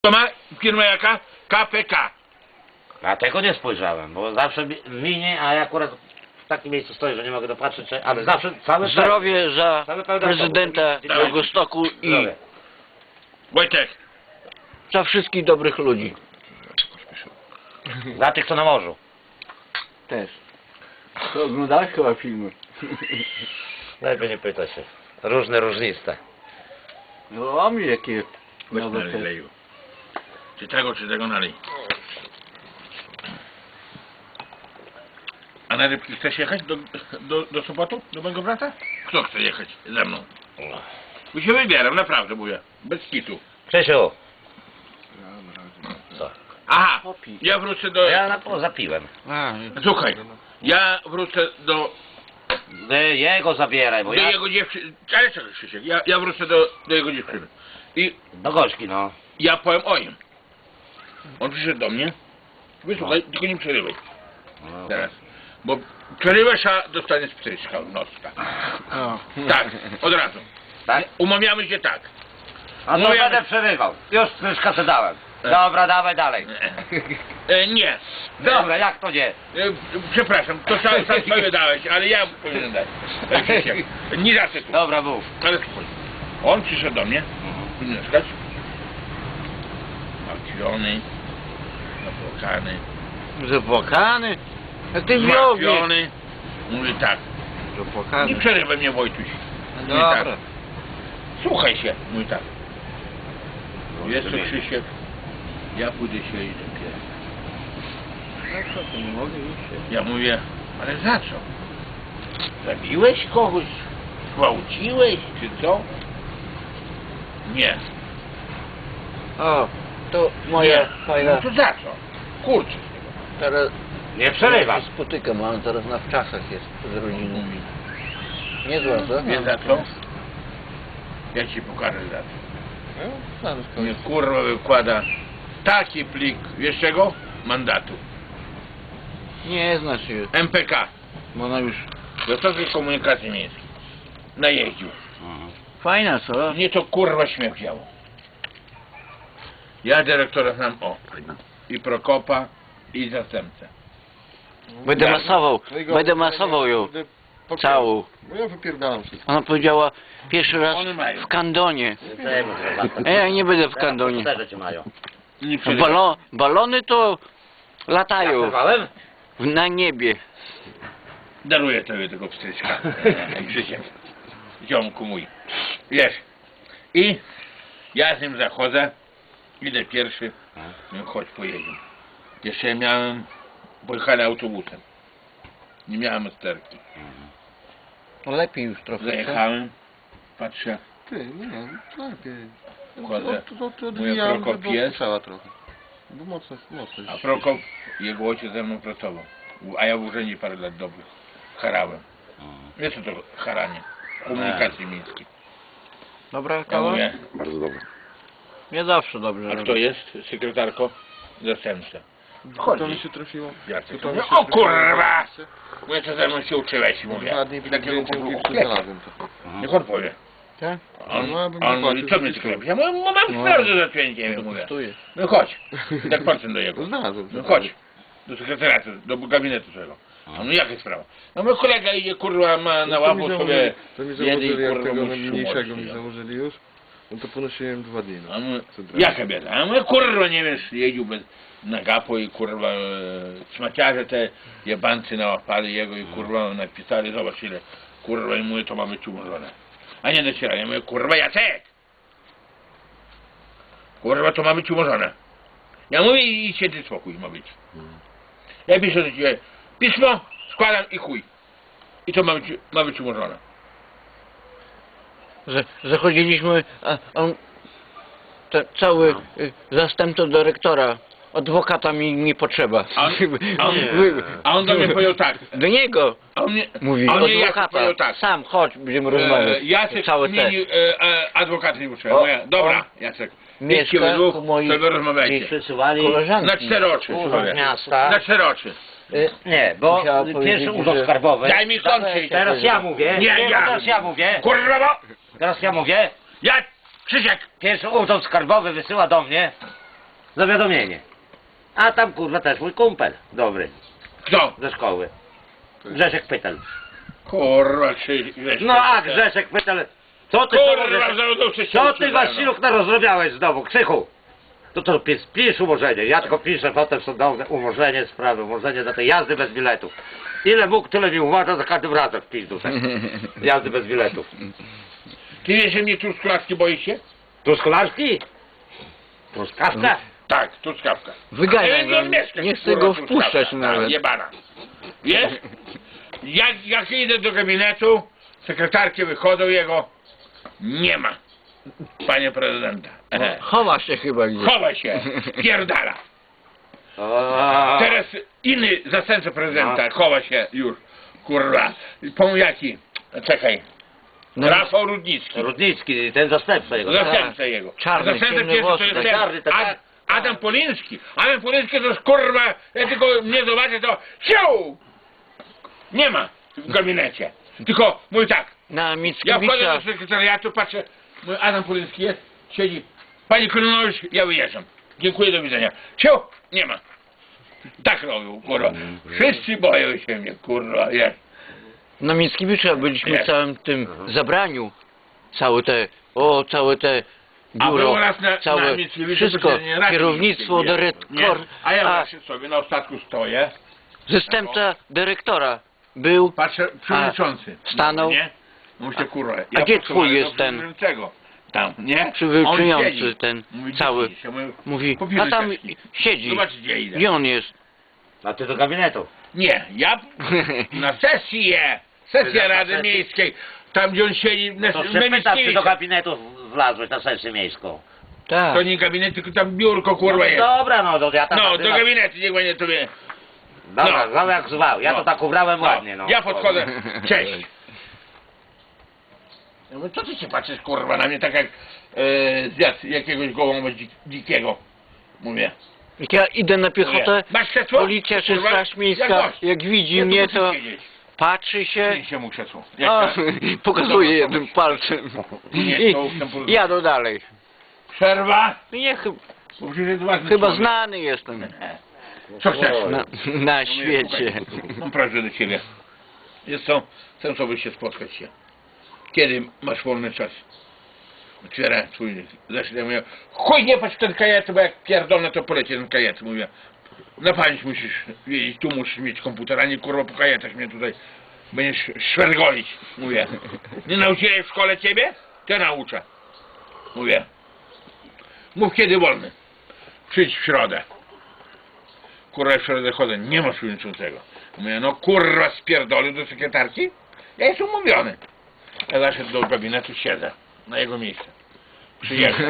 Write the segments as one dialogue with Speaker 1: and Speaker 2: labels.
Speaker 1: To ma firma jaka? KPK.
Speaker 2: A tego nie spojrzałem, bo zawsze minie, a ja akurat w takim miejscu stoję, że nie mogę dopatrzeć, ale zawsze cały
Speaker 3: Zdrowie za
Speaker 2: cały pełen
Speaker 3: prezydenta
Speaker 2: autobus.
Speaker 3: Białegostoku i
Speaker 2: Zdrowie.
Speaker 1: Wojtek.
Speaker 3: za wszystkich dobrych ludzi.
Speaker 2: Za tych, co na morzu.
Speaker 3: Też. To oglądałeś chyba filmy.
Speaker 2: Lepiej nie pyta się. Różne, różniste.
Speaker 3: No a mi jakie
Speaker 1: Weź
Speaker 3: nowe
Speaker 1: nalej
Speaker 3: te...
Speaker 1: leju. Czy tego nalej. A na rybki chcesz jechać do Sopotu? Do mojego brata? Kto chce jechać ze mną? Bo się wybieram, naprawdę mówię. Bez kitu.
Speaker 2: Krzysiu. Co?
Speaker 1: Aha, ja wrócę do...
Speaker 2: Ja na to zapiłem.
Speaker 1: Słuchaj, ja wrócę do
Speaker 2: Jego zabieraj, bo ja...
Speaker 1: jego dziewczyny... Ale czekaj, Krzysiek, ja wrócę do jego dziewczyny. I
Speaker 2: Do Gośki, no.
Speaker 1: ja powiem o nim. On przyszedł do mnie. Wysłuchaj, tylko nie przerywaj
Speaker 2: No.
Speaker 1: teraz. Bo przerywasz, a dostaniesz pstryczka w nos. Tak, od razu.
Speaker 2: Tak?
Speaker 1: Umawiamy się tak.
Speaker 2: A to
Speaker 1: Mówię-
Speaker 2: będę przerywał. Już pryszka co dałem. Dobra, dawaj dalej.
Speaker 1: Nie.
Speaker 2: Dobra, jak to nie?
Speaker 1: Przepraszam, to sam sobie dałeś, ale ja powinienem dać. Krzysiek, nie zawsze tu.
Speaker 2: Dobra, mów.
Speaker 1: Ale spójrz. On przyszedł do mnie, mieszkać. Martwiony, zapłakany.
Speaker 3: Zapłakany? A ty wiogie.
Speaker 1: Zmartwiony. Mówi tak. Nie
Speaker 3: Zapłakany.
Speaker 1: przerywaj mnie, Wojtuś. Mówi tak.
Speaker 3: Dobra.
Speaker 1: Słuchaj się. Mówi tak. Wiesz co,
Speaker 2: Rozumiem.
Speaker 1: Krzysiek? Ja pójdę się i dopiero.
Speaker 3: No co, to nie mogę iść.
Speaker 1: Ja mówię, ale za co? Zabiłeś kogoś? Gwałciłeś czy co? Nie.
Speaker 3: O, to moja
Speaker 1: Nie.
Speaker 3: fajna...
Speaker 1: No to za co? Kurczę.
Speaker 3: Teraz...
Speaker 2: Nie przerywam.
Speaker 3: Spotykam, a on teraz na wczasach jest z rodziną. Niezła, co?
Speaker 1: Wiesz za co? Ja ci pokażę za co. Mnie kurwa wykłada taki plik, wiesz czego? Mandatu.
Speaker 3: Nie znasz się,
Speaker 1: MPK.
Speaker 3: bo ona już...
Speaker 1: Wysokiej Komunikacji Miejskiej. Najeździł.
Speaker 3: Fajna, co?
Speaker 1: Mnie to kurwa śmiech wzięło. Ja dyrektora znam i Prokopa i zastępcę.
Speaker 3: Będę
Speaker 1: Tak.
Speaker 3: masował, będę masował ją całą.
Speaker 4: Bo ja wypierdalam wszystko.
Speaker 3: Ona powiedziała pierwszy raz
Speaker 1: One mają.
Speaker 3: w kandonie. Ja nie będę w kandonie.
Speaker 2: Też cię mają.
Speaker 1: Nie przerywaj.
Speaker 3: Balony to
Speaker 2: Jak
Speaker 3: latają
Speaker 2: przerwałem?
Speaker 3: na niebie.
Speaker 1: Daruję tobie tego pstryczka. Krzysiek. Ziomku mój. Wiesz. I ja z nim zachodzę. Idę pierwszy. No chodź pojedziemy. Jeszcze ja miałem... Pojechali autobusem. Nie miałem sterki.
Speaker 3: Lepiej już trochę.
Speaker 1: Zajechałem. Patrzę.
Speaker 4: Ty, nie, to lepiej.
Speaker 1: Chodzę.
Speaker 4: To
Speaker 1: Mówię,
Speaker 4: odwijałem,
Speaker 1: Prokop
Speaker 4: bo
Speaker 1: jest.
Speaker 4: strzała trochę. Bo mocno.
Speaker 1: A Prokop, jego ojciec ze mną pracował. A ja w urzędzie parę lat dobrych. Harałem. Wiesz co to haranie? Komunikacji miejskiej.
Speaker 3: Dobra
Speaker 1: Ja
Speaker 3: kawa?
Speaker 1: mówię,
Speaker 3: Nie zawsze dobrze
Speaker 1: a
Speaker 3: robię.
Speaker 1: kto jest? Sekretarko? Zastępca.
Speaker 4: To mi się trafiło.
Speaker 1: Jacek.
Speaker 4: To mi
Speaker 1: Mówię,
Speaker 4: się
Speaker 1: o
Speaker 4: trafiło.
Speaker 1: kurwa! Mówię, co ze mną się uczyłeś? Mówię.
Speaker 4: 2 dni
Speaker 1: I
Speaker 4: przed
Speaker 1: takiego
Speaker 4: zdjęciem
Speaker 1: po
Speaker 4: kilku
Speaker 1: brzuchu
Speaker 4: znalazłem to.
Speaker 1: niech on powie.
Speaker 3: Tak?
Speaker 1: On,
Speaker 4: No, ja bym
Speaker 1: on
Speaker 4: zapłacił
Speaker 1: mówi, co
Speaker 4: za
Speaker 1: mnie
Speaker 4: wszystko.
Speaker 1: sklepisz? Ja mówię, mam
Speaker 3: No.
Speaker 1: sprawę do zaczęcia, mówię.
Speaker 3: Kosztuje.
Speaker 1: No chodź. I tak patrzę do jego.
Speaker 4: To znalazłem.
Speaker 1: No chodź. Do sekretariatu, do gabinetu swojego. A no jaka sprawa? No mój kolega idzie, kurwa, ma na łapu sobie
Speaker 4: To mi
Speaker 1: jedy
Speaker 4: założyli,
Speaker 1: i
Speaker 4: jak
Speaker 1: kurwa
Speaker 4: tego
Speaker 1: musi
Speaker 4: mniejszego mi
Speaker 1: umoczyć.
Speaker 4: założyli już, no to ponosiłem 2 dni. No.
Speaker 1: A my,
Speaker 4: Co teraz?
Speaker 1: jaka bieda? A my kurwa nie wiesz, jeździł bez na gapo i kurwa szmaciarze te jebancy nałapali jego i kurwa napisali, zobacz ile kurwa i mówię, to ma być umorzone. A nie dociera, ja mówię, kurwa Jacek! Kurwa to ma być umorzone. Ja mówię i święty spokój ma być. Ja piszę do ciebie pismo, składam i chuj. I to ma być umorzone.
Speaker 3: Zachodziliśmy, a on... Cały zastępca dyrektora, adwokata mi nie potrzeba.
Speaker 1: A on do mnie powiedział tak.
Speaker 3: Do niego
Speaker 1: A on mnie,
Speaker 3: mówi,
Speaker 1: a on mnie Jacek
Speaker 3: adwokata.
Speaker 1: powiedział tak.
Speaker 3: Sam chodź, będziemy rozmawiać.
Speaker 1: Jacek
Speaker 3: Całe te.
Speaker 1: zmienił adwokat nie potrzeba.
Speaker 3: O,
Speaker 1: Mówię, dobra,
Speaker 3: o.
Speaker 1: Jacek.
Speaker 3: Mieszka
Speaker 1: Idźcie we dwóch,
Speaker 3: u moich
Speaker 1: sobie rozmawiajcie.
Speaker 2: Dziś przysyłali
Speaker 3: Koleżanki.
Speaker 1: Na 4 oczy,
Speaker 2: urząd
Speaker 1: słuchaj.
Speaker 2: miasta.
Speaker 1: Na 4 oczy.
Speaker 2: Nie, bo
Speaker 3: Musiała powiedzieć,
Speaker 2: pierwszy urząd
Speaker 3: że-
Speaker 2: skarbowy.
Speaker 1: Daj mi kończyć.
Speaker 2: Teraz ja mówię.
Speaker 1: Nie, ja.
Speaker 2: Teraz ja mówię.
Speaker 1: Kurwa, bo...
Speaker 2: Teraz ja mówię.
Speaker 1: Ja, Krzysiek,
Speaker 2: Pierwszy urząd skarbowy wysyła do mnie zawiadomienie. A tam kurwa też mój kumpel, dobry,
Speaker 1: Kto?
Speaker 2: ze szkoły. Grzesiek Pytel.
Speaker 1: Kurwa, czy...
Speaker 2: No a Grzesiek Pytel, co ty
Speaker 1: Kurwa, zawodowcy się
Speaker 2: co ty
Speaker 1: uczyłem,
Speaker 2: Wasiluk narozrabiałeś znowu, Krzychu? To pisz umorzenie, ja tylko piszę potem sądowne umorzenie sprawy, umorzenie za tej jazdy bez biletów. Ile mógł, tyle mi uważa, za każdym razem w pizdu tak. Jazdy bez biletów.
Speaker 1: Ty wiesz, że mnie truskawki boi się?
Speaker 2: Truskawki? Truskawka?
Speaker 1: Tak, truskawka.
Speaker 3: Wyganiaj
Speaker 1: Ale
Speaker 3: go,
Speaker 1: on mieszka,
Speaker 3: nie chcę
Speaker 1: kurwa,
Speaker 3: go
Speaker 1: truskawka.
Speaker 3: wpuszczać
Speaker 1: Tak,
Speaker 3: nawet.
Speaker 1: jebana. Wiesz? Jak idę do gabinetu, sekretarki wychodzą jego, nie ma. Panie prezydenta.
Speaker 3: Chowa się chyba gdzieś.
Speaker 1: Chowa się, pierdala. Teraz inny zastępca prezydenta chowa się już, kurwa. Pomóż jaki? Czekaj.
Speaker 3: No,
Speaker 1: Rafał Rudnicki.
Speaker 2: Rudnicki, ten zastępca jego.
Speaker 1: Zastępca jego.
Speaker 3: Czarny,
Speaker 1: Zastępca
Speaker 3: ciemne
Speaker 1: pierwszy to
Speaker 3: włosy,
Speaker 1: jest
Speaker 2: tak
Speaker 1: ten
Speaker 2: czarny, tak.
Speaker 1: Adam Poliński. Adam Poliński to jest kurwa, ja tylko mnie zobaczę to siu! Nie ma w gabinecie. Tylko mój tak.
Speaker 3: Na
Speaker 1: Ja wchodzę
Speaker 3: Mickiewicza.
Speaker 1: do sekretariatu, patrzę, mój Adam Poliński jest, siedzi. Panie Kolonowicz, ja wyjeżdżam. Dziękuję, do widzenia. Siu! Nie ma. Tak robił, kurwa. Wszyscy boją się mnie, kurwa, jest.
Speaker 3: Na Mickiewicza byliśmy
Speaker 1: Jest.
Speaker 3: w całym tym zabraniu. Całe te
Speaker 1: A
Speaker 3: biuro,
Speaker 1: było raz na
Speaker 3: całe
Speaker 1: Mickiewiczu
Speaker 3: wszystko,
Speaker 1: posiedzenie Rady
Speaker 3: kierownictwo,
Speaker 1: Miejskiej,
Speaker 3: dyrektor,
Speaker 1: nie? A ja właśnie sobie na ostatku stoję,
Speaker 3: zastępca dyrektora był.
Speaker 1: patrzę, przewodniczący.
Speaker 3: stanął?
Speaker 1: Nie? Myślę, kurwa.
Speaker 3: A gdzie
Speaker 1: posuwam
Speaker 3: twój
Speaker 1: do
Speaker 3: jest ten?
Speaker 1: przewodniczącego. Tam, nie?
Speaker 3: Przewodniczący
Speaker 1: On siedzi.
Speaker 3: ten
Speaker 1: Mówi,
Speaker 3: cały.
Speaker 1: "Gdzie idziesz?" Ja mówię,
Speaker 3: Mówi,
Speaker 1: "Popijmy
Speaker 3: a tam
Speaker 1: czaszki".
Speaker 3: siedzi.
Speaker 1: Zobacz, gdzie idę.
Speaker 3: Gdzie on jest?
Speaker 2: A ty do gabinetu.
Speaker 1: Nie, ja na sesję Rady
Speaker 2: sesję?
Speaker 1: Miejskiej, tam gdzie on siedzi, na
Speaker 2: To się pytam, czy do
Speaker 1: Mickiewicza.
Speaker 2: gabinetu wlazłeś na sesję miejską.
Speaker 3: Tak.
Speaker 1: To nie gabinet, tylko tam biurko, kurwa, jest.
Speaker 2: Dobra, no to ja tam...
Speaker 1: No, do gabinetu, niech będzie tobie.
Speaker 2: Dobra,
Speaker 1: no.
Speaker 2: zwał jak zwał, ja
Speaker 1: No.
Speaker 2: to tak ubrałem
Speaker 1: No,
Speaker 2: ładnie, no.
Speaker 1: ja podchodzę, cześć. Ja mówię, co ty się patrzysz, kurwa, na mnie tak jak zjadł jakiegoś gołąba dzikiego. Mówię.
Speaker 3: Jak ja idę na piechotę,
Speaker 1: Mówię, masz krzesło?
Speaker 3: policja czy
Speaker 1: Kurwa,
Speaker 3: straż miejska,
Speaker 1: gość.
Speaker 3: jak widzi
Speaker 1: Ja tu
Speaker 3: mnie,
Speaker 1: muszę
Speaker 3: to
Speaker 1: siedzieć.
Speaker 3: patrzy się,
Speaker 1: Przynieś mu krzesło.
Speaker 3: a,
Speaker 1: Jak to?
Speaker 3: pokazuje
Speaker 1: Dobra,
Speaker 3: jednym palcem
Speaker 1: Nie,
Speaker 3: i
Speaker 1: to ustęp po-
Speaker 3: jadę dalej.
Speaker 1: Przerwa?
Speaker 3: Nie,
Speaker 1: Bo przecież jest ważny
Speaker 3: chyba
Speaker 1: człowiek.
Speaker 3: znany jestem
Speaker 1: Co chcesz?
Speaker 3: na świecie.
Speaker 1: Mam prośbę do ciebie. Jest co? Chcę sobie się spotkać się. Kiedy masz wolny czas? Otwiera twój zeszyt. Ja mówię, chuj nie patrz w ten kajet, bo jak pierdolę to poleci ten kajet. Mówię, na pamięć musisz wiedzieć, tu musisz mieć komputer, a nie kurwa po kajetach mnie tutaj będziesz szwergolić. Mówię, nie nauczyłeś w szkole ciebie? To ja nauczę. Mówię, mów kiedy wolny. Przyjdź w środę. Kurwa, w środę chodzę, nie ma przewodniczącego. Mówię, no kurwa spierdolił do sekretarki? Ja jestem umówiony. Ja zaszedł do gabinetu, siedzę na jego miejsce. Przyjechał.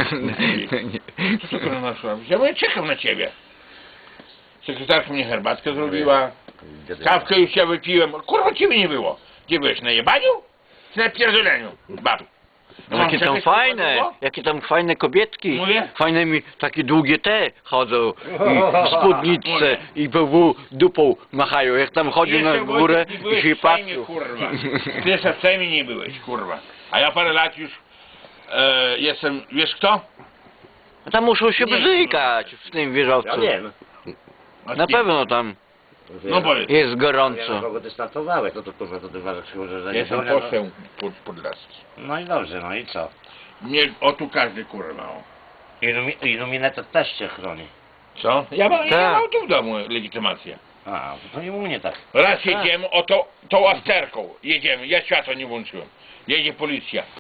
Speaker 1: Co to kurwa masz robić? Ja mówię, czekam na ciebie. Sekretarka mnie herbatkę zrobiła. Kawkę już ja wypiłem. Kurwa, ciebie nie było. Gdzie byłeś? Na jebaniu? Czy na pierdoleniu? Bab. No, mam
Speaker 3: Jakie tam
Speaker 1: czekać, kurwa,
Speaker 3: fajne,
Speaker 1: długo?
Speaker 3: jakie tam fajne kobietki.
Speaker 1: Mówię?
Speaker 3: Fajne mi takie długie te chodzą i spódniczce
Speaker 1: Mówię.
Speaker 3: i BW dupą machają. Jak tam chodzi na
Speaker 1: Jeszcze,
Speaker 3: górę
Speaker 1: Wojtek, nie
Speaker 3: i
Speaker 1: byłeś
Speaker 3: się
Speaker 1: w Sejmie,
Speaker 3: patrzą.
Speaker 1: kurwa. Ty jeszcze w Sejmie nie byłeś, kurwa. A ja parę lat już jestem, wiesz kto?
Speaker 3: A tam muszą się
Speaker 1: Nie,
Speaker 3: bzykać w tym
Speaker 2: Ja
Speaker 3: wieżowcu.
Speaker 2: wiem.
Speaker 1: A
Speaker 3: Na
Speaker 1: ty-
Speaker 3: pewno tam
Speaker 1: No powiedz.
Speaker 3: jest
Speaker 2: Ja na
Speaker 3: gorąco.
Speaker 2: kogo ty startowałeś, to kurwa to ty uważasz, że nie
Speaker 1: Jestem
Speaker 2: bronią,
Speaker 1: poseł Podlaski.
Speaker 2: No i dobrze, no i co?
Speaker 1: Mnie o tu każdy kurwa. O.
Speaker 2: Iluminator też cię chroni.
Speaker 1: Co? Ja mam
Speaker 3: Tak.
Speaker 1: tu w domu legitymację.
Speaker 2: A, to nie u mnie tak.
Speaker 1: Raz jedziemy, o tą afterką jedziemy, ja światła nie włączyłem. Jedzie policja.